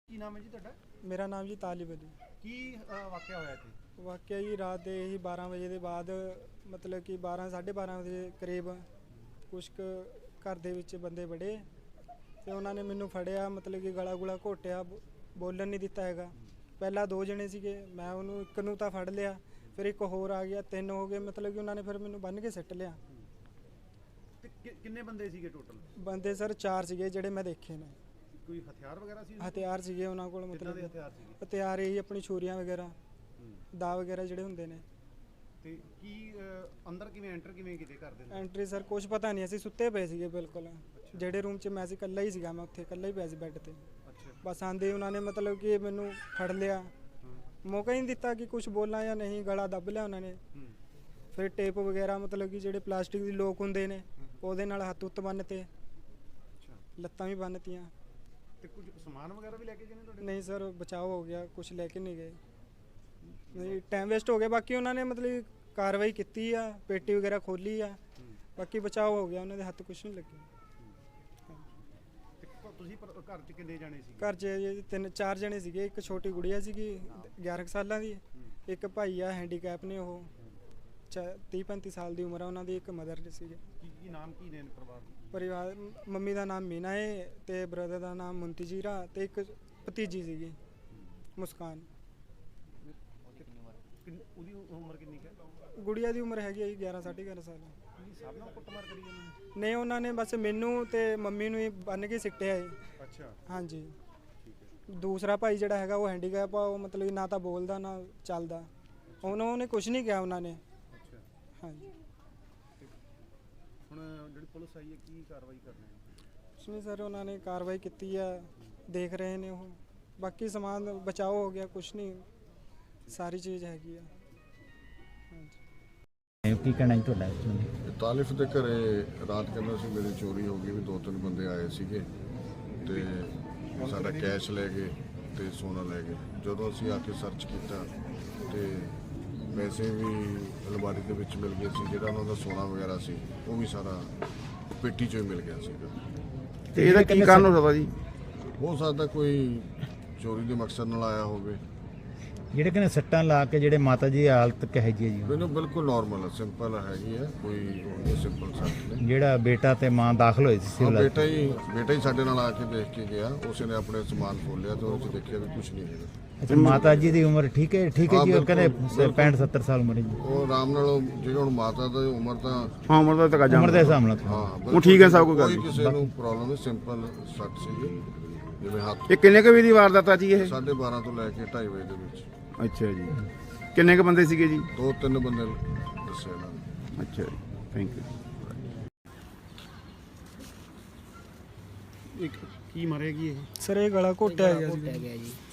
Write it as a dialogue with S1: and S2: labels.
S1: ਕੀ ਨਾਮ ਹੈ ਜੀ ਤੁਹਾਡਾ?
S2: ਮੇਰਾ ਨਾਮ ਜੀ ਤਾਲਿਬ ਅਲੀ।
S1: ਕੀ ਵਾਕਿਆ ਹੋਇਆ ਇੱਥੇ?
S2: ਵਾਕਿਆ ਜੀ ਰਾਤ ਦੇ ਹੀ 12 ਵਜੇ ਦੇ ਬਾਅਦ ਮਤਲਬ ਕਿ 12 12:30 ਵਜੇ ਕਰੀਬ ਕੁਛ ਕੁ ਘਰ ਦੇ ਵਿੱਚ ਬੰਦੇ ਵੜੇ ਤੇ ਉਹਨਾਂ ਨੇ ਮੈਨੂੰ ਫੜਿਆ, ਮਤਲਬ ਕਿ ਗਲਾ ਗੁਲਾ ਘੋਟਿਆ, ਬੋਲਣ ਨਹੀਂ ਦਿੱਤਾ ਹੈਗਾ। ਪਹਿਲਾਂ 2 ਜਣੇ ਸੀਗੇ, ਮੈਂ ਉਹਨੂੰ ਇੱਕ ਨੂੰ ਤਾਂ ਫੜ ਲਿਆ, ਫਿਰ ਇੱਕ ਹੋਰ ਆ ਗਿਆ, 3 ਹੋ ਗਏ। ਮਤਲਬ ਕਿ ਉਹਨਾਂ ਨੇ ਫਿਰ ਮੈਨੂੰ ਬੰਨ੍ਹ ਕੇ ਸਿੱਟ ਲਿਆ।
S1: ਤੇ ਕਿੰਨੇ ਬੰਦੇ ਸੀਗੇ ਟੋਟਲ?
S2: ਬੰਦੇ ਸਰ 4 ਸੀਗੇ ਜਿਹੜੇ ਮੈਂ ਦੇਖੇ ਨੇ।
S1: ਕੋਈ ਹਥਿਆਰ ਵਗੈਰਾ ਸੀ?
S2: ਹਥਿਆਰ ਸੀਗੇ ਉਹਨਾਂ ਕੋਲ,
S1: ਕਿੱਦਾਂ ਦੇ
S2: ਮਤਲਬ
S1: ਹਥਿਆਰ ਸੀਗੇ?
S2: ਹਥਿਆਰ ਇਹੀ ਆਪਣੀ ਛੁਰੀਆਂ ਵਗੈਰਾ, ਦਾ ਵਗੈਰਾ ਜਿਹੜੇ ਹੁੰਦੇ ਨੇ।
S1: ਤੇ ਕੀ ਅੰਦਰ ਕਿਵੇਂ ਐਂਟਰ ਕਿਵੇਂ ਕੀਤੇ ਘਰ ਦੇ ਅੰਦਰ?
S2: ਐਂਟਰੀ ਸਰ ਕੁਝ ਪਤਾ ਨਹੀਂ, ਅਸੀਂ ਸੁੱਤੇ ਪਏ ਸੀਗੇ ਬਿਲਕੁਲ। ਜਿਹੜੇ ਰੂਮ 'ਚ ਮੈਂ ਸੀ ਇਕੱਲਾ ਹੀ ਸੀਗਾ, ਮੈਂ ਉੱਥੇ ਇਕੱਲਾ ਹੀ ਪਿਆ ਸੀ ਬੈੱਡ ਤੇ।
S1: ਅੱਛਾ।
S2: ਬਸ ਆਂਦੇ ਉਹਨਾਂ ਨੇ ਮਤਲਬ ਕਿ ਮੈਨੂੰ ਫੜ ਲਿਆ, ਮੌਕਾ ਹੀ ਨਹੀਂ ਦਿੱਤਾ ਕਿ ਕੁਝ ਬੋਲਾਂ ਜਾਂ ਨਹੀਂ, ਗਲਾ ਦੱਬ ਲਿਆ ਉਹਨਾਂ ਨੇ। ਫਿਰ ਟੇਪ ਵਗੈਰਾ, ਮਤਲਬ ਕਿ ਜਿਹੜੇ ਪਲਾਸਟਿਕ ਦੀ ਲੋਕ ਹੁੰਦੇ ਨੇ ਉਹਦੇ ਨਾਲ ਹੱਥ ਉੱਤ ਬੰਨ੍ਹਤੇ, ਲੱਤਾਂ ਵੀ ਬੰਨ੍ਹਤੀਆਂ।
S1: ਤੇ ਕੁਝ ਸਮਾਨ ਵਗੈਰਾ ਵੀ ਲੈ ਕੇ ਗਏ ਨੇ ਤੁਹਾਡੇ?
S2: ਨਹੀਂ ਸਰ, ਬਚਾਅ ਹੋ ਗਿਆ, ਕੁਝ ਲੈ ਕੇ ਨਹੀਂ ਗਏ। ਨਹੀਂ, ਟਾਈਮ ਵੇਸਟ ਹੋ ਗਿਆ। ਬਾਕੀ ਉਹਨਾਂ ਨੇ ਮਤਲਬ ਕਾਰਵਾਈ ਕੀਤੀ ਆ, ਪੇਟੀ ਵਗੈਰਾ ਖੋਲੀ ਆ, ਬਾਕੀ ਬਚਾਅ ਹੋ ਗਿਆ, ਉਹਨਾਂ ਦੇ ਹੱਥ ਕੁਝ ਨਹੀਂ ਲੱਗੇ।
S1: ਤੁਸੀਂ ਘਰ 'ਚ ਕਿੰਨੇ ਜਾਣੇ ਸੀ?
S2: ਘਰ 'ਚ 3-4 ਜਣੇ ਸੀਗੇ। ਇੱਕ ਛੋਟੀ ਗੁੜੀਆ ਸੀਗੀ 11 ਸਾਲਾਂ ਦੀ, ਇੱਕ ਭਾਈ ਆ ਹੈਂਡੀਕੈਪ ਨੇ, ਉਹ 30-35 ਸਾਲ ਦੀ ਉਮਰ ਆ ਉਹਨਾਂ ਦੀ, ਇੱਕ ਮਦਰ ਸੀਗੇ।
S1: ਕੀ ਨਾਮ ਕੀ ਨੇ
S2: ਪਰਿਵਾਰ? ਮੰਮੀ ਦਾ ਨਾਮ ਮੀਨਾ ਹੈ ਤੇ ਬ੍ਰਦਰ ਦਾ ਨਾਮ ਮੁੰਤਜੀਰਾ ਤੇ ਇੱਕ ਭਤੀਜੀ ਸੀਗੀ ਮੁਸਕਾਨ।
S1: ਉਹਦੀ ਉਮਰ ਕਿੰਨੀ ਹੈ?
S2: ਗੁੜੀਆ ਦੀ ਉਮਰ ਹੈਗੀ 11 11.5 ਸਾਲ।
S1: ਸਭ ਨਾਲ ਕੁੱਟਮਾਰ ਕਰੀ ਜਾਂਦੇ?
S2: ਨਹੀਂ, ਉਹਨਾਂ ਨੇ ਬਸ ਮੈਨੂੰ ਤੇ ਮੰਮੀ ਨੂੰ ਹੀ ਬੰਨ੍ਹ ਕੇ ਸਿੱਟਿਆ ਹੈ।
S1: ਅੱਛਾ,
S2: ਹਾਂਜੀ।
S1: ਠੀਕ ਹੈ।
S2: ਦੂਸਰਾ ਭਾਈ ਜਿਹੜਾ ਹੈਗਾ ਉਹ ਹੈਂਡੀਕੈਪ ਆ, ਉਹ ਮਤਲਬ ਨਾ ਤਾਂ ਬੋਲਦਾ ਨਾ ਚੱਲਦਾ। ਉਹਨੇ ਕੁਝ ਨਹੀਂ ਕਿਹਾ ਉਹਨਾਂ ਨੇ।
S1: ਅੱਛਾ,
S2: ਹਾਂਜੀ।
S1: ਹੁਣ ਜਿਹੜੀ ਪੁਲਿਸ ਆਈ ਹੈ ਕੀ ਕਾਰਵਾਈ ਕਰਨੀ ਹੈ?
S2: ਕੁਛ ਨਹੀਂ ਸਰ, ਉਹਨਾਂ ਨੇ ਕਾਰਵਾਈ ਕੀਤੀ ਆ, ਦੇਖ ਰਹੇ ਨੇ ਉਹ। ਬਾਕੀ ਸਮਾਨ ਬਚਾਓ ਹੋ ਗਿਆ, ਕੁਛ ਨਹੀਂ, ਸਾਰੀ ਚੀਜ਼ ਹੈਗੀ ਆ। ਹਾਂਜੀ।
S3: ਕੀ ਕਹਿਣਾ ਜੀ ਤੁਹਾਡਾ?
S4: ਤਾਲਿਫ ਦੇ ਘਰੇ ਰਾਤ ਕਹਿੰਦਾ ਸੀ ਮੇਰੀ ਚੋਰੀ ਹੋ ਗਈ, ਵੀ 2-3 ਬੰਦੇ ਆਏ ਸੀਗੇ ਤੇ ਸਾਡਾ ਕੈਸ਼ ਲੈ ਗਏ ਤੇ ਸੋਨਾ ਲੈ ਗਏ। ਜਦੋਂ ਅਸੀਂ ਆ ਕੇ ਸਰਚ ਕੀਤਾ ਤੇ ਪੈਸੇ ਵੀ ਅਲਮਾਰੀ ਦੇ ਵਿੱਚ ਮਿਲ ਗਏ ਸੀ, ਜਿਹੜਾ ਉਹਨਾਂ ਦਾ ਸੋਨਾ ਵਗੈਰਾ ਸੀ ਉਹ ਵੀ ਸਾਰਾ ਪੇਟੀ 'ਚੋਂ ਹੀ ਮਿਲ ਗਿਆ ਸੀਗਾ।
S5: ਤੇ ਇਹਦਾ ਕੀ ਕਾਰਨ ਹੋ ਸਕਦਾ ਜੀ?
S4: ਹੋ ਸਕਦਾ ਕੋਈ ਚੋਰੀ ਦੇ ਮਕਸਦ ਨਾਲ ਆਇਆ ਹੋਵੇ।
S3: ਜਿਹੜੇ ਕਹਿੰਦੇ ਸੱਟਾਂ ਲਾ ਕੇ ਜਿਹੜੇ ਮਾਤਾ ਜੀ ਦੀ ਹਾਲਤ ਕਿਹੋ ਜਿਹੀ ਹੈ ਜੀ?
S4: ਮੈਨੂੰ ਬਿਲਕੁਲ ਨਾਰਮਲ ਹੈ, ਸਿੰਪਲ ਹੈਗੀ ਹੈ, ਕੋਈ ਸਿੰਪਲ ਸੱਟ ਨਹੀਂ।
S3: ਜਿਹੜਾ ਬੇਟਾ ਤੇ ਮਾਂ ਦਾਖਲ ਹੋਏ ਸੀ ਸਿਵਲ?
S4: ਬੇਟਾ ਹੀ ਸਾਡੇ ਨਾਲ ਆ ਕੇ ਦੇਖ ਕੇ ਗਿਆ, ਉਸੇ ਨੇ ਆਪਣੇ ਸਮਾਨ ਖੋਲਿਆ ਤੇ ਉਹਦੇ 'ਚ ਦੇਖਿਆ ਵੀ ਕੁਝ ਨਹੀਂ ਹੈਗਾ।
S3: ਅੱਛਾ, ਮਾਤਾ ਜੀ ਦੀ ਉਮਰ ਠੀਕ ਹੈ ਜੀ? ਉਹ ਕਹਿੰਦੇ 65-70 ਸਾਲ ਉਮਰ ਹੈ ਜੀ।
S4: ਉਹ ਆਰਾਮ ਨਾਲ ਜਿਹੜਾ ਹੁਣ ਮਾਤਾ ਦੀ ਉਮਰ ਤਾਂ
S5: ਹਾਂ, ਉਮਰ ਦਾ ਤਾਂ
S3: ਉਮਰ ਦੇ ਹਿਸਾਬ ਨਾਲ
S4: ਹਾਂ
S5: ਉਹ ਠੀਕ ਹੈ, ਸਭ ਕੋਈ ਗੱਲ
S4: ਕੋਈ
S5: ਨਹੀਂ।
S4: ਕਿਸੇ ਨੂੰ ਪ੍ਰੋਬਲਮ ਨਹੀਂ, ਸਿੰਪਲ ਸੱਟ ਸੀਗੀ ਜਿਵੇਂ ਹੱਥ।
S5: ਇਹ ਕਿੰਨੇ ਕੁ ਵਜੇ ਦੀ ਵਾਰਦਾਤ ਆ ਜੀ ਇਹ?
S4: 12:30 ਤੋਂ ਲੈ ਕੇ 2:30 ਵਜੇ ਦੇ ਵਿੱਚ।
S5: ਅੱਛਾ ਜੀ। ਕਿੰਨੇ ਕੁ ਬੰਦੇ ਸੀਗੇ ਜੀ?
S4: 2-3 ਬੰਦੇ ਦੱਸੇ ਇਹਨਾਂ ਨੇ।
S5: ਅੱਛਾ ਜੀ, ਥੈਂਕ ਯੂ।
S1: ਕੀ ਮਾਰੇਗੀ ਇਹ?
S2: ਸਰ ਇਹ ਗਲਾ ਘੋਟਿਆ ਗਿਆ ਸੀ।